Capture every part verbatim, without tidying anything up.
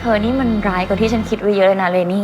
อนี่มันร้ายกว่าที่ฉันคิดไว้เยอะเลยนะเรนี่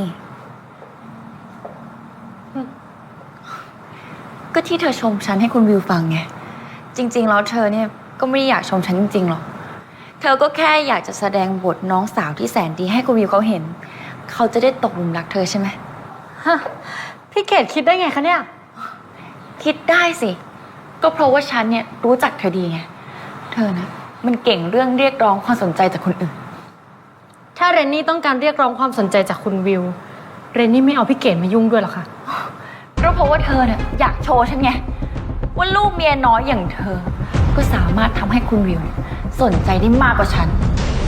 ก็ที่เธอชมฉันให้คุณวิวฟังไงจริงๆแล้วเธอเนี่ยก็ไม่ได้อยากชมฉันจริงๆหรอกเธอก็แค่อยากจะแสดงบทน้องสาวที่แสนดีให้คุณวิวเขาเห็นเขาจะได้ตกหลุมรักเธอใช่ไหมฮะพี่เกดคิดได้ไงคะเนี่ยคิดได้สิก็เพราะว่าฉันเนี่ยรู้จักเธอดีไงเธอนะมันเก่งเรื่องเรียกร้องความสนใจจากคนอื่นถ้าเรนนี่ต้องการเรียกร้องความสนใจจากคุณวิวเรนนี่ไม่เอาพี่เกดมายุ่งด้วยหรอคะก็เพราะว่าเธอเนี่ยอยากโชว์ฉันไงว่าลูกเมียน้อยอย่างเธอก็สามารถทำให้คุณวิวสนใจได้มากกว่าฉัน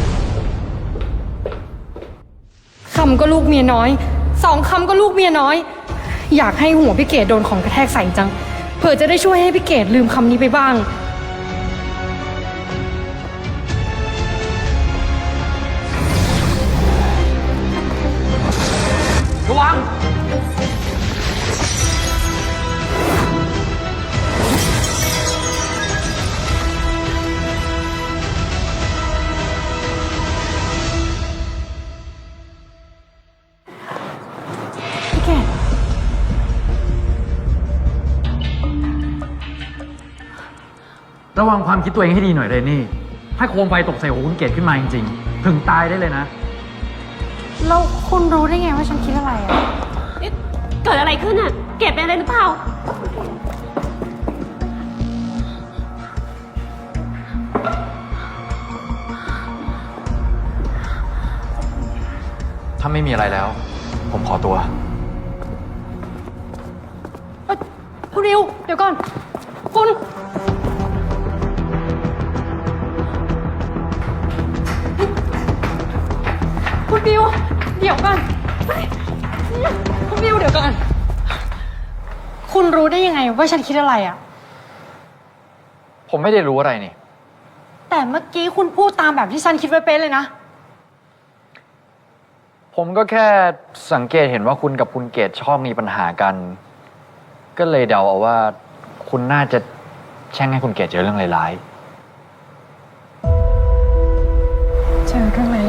คำก็ลูกเมียน้อยสองคำก็ลูกเมียน้อยอยากให้หัวพี่เกดโดนของกระแทกใส่จังเผื่อจะได้ช่วยให้พี่เกดลืมคำนี้ไปบ้างระวังพี่เกดระวังความคิดตัวเองให้ดีหน่อยเลยนี่ถ้าโคมไฟตกใส่หัวคุณเกดขึ้นมาจริงๆถึงตายได้เลยนะแล้วคุณรู้ได้ไงว่าฉันคิดอะไรอ่ะเกิดอะไรขึ้นอ่ะเก็บเป็นอะไรหรือเปล่าถ้าไม่มีอะไรแล้ว ผมขอตัวคุณริวเดี๋ยวก่อนคุณคุณบิวเดี๋ยวก่อนคุณบิวเดี๋ยวก่อนคุณรู้ได้ยังไงว่าฉันคิดอะไรอ่ะผมไม่ได้รู้อะไรนี่แต่เมื่อกี้คุณพูดตามแบบที่ฉันคิดไว้เป๊ะเลยนะผมก็แค่สังเกตเห็นว่าคุณกับคุณเกดชอบมีปัญหากันก็เลยเดาเอาว่าคุณน่าจะแช่งให้คุณเกดเจอเรื่องร้ายๆเจอเรื่อง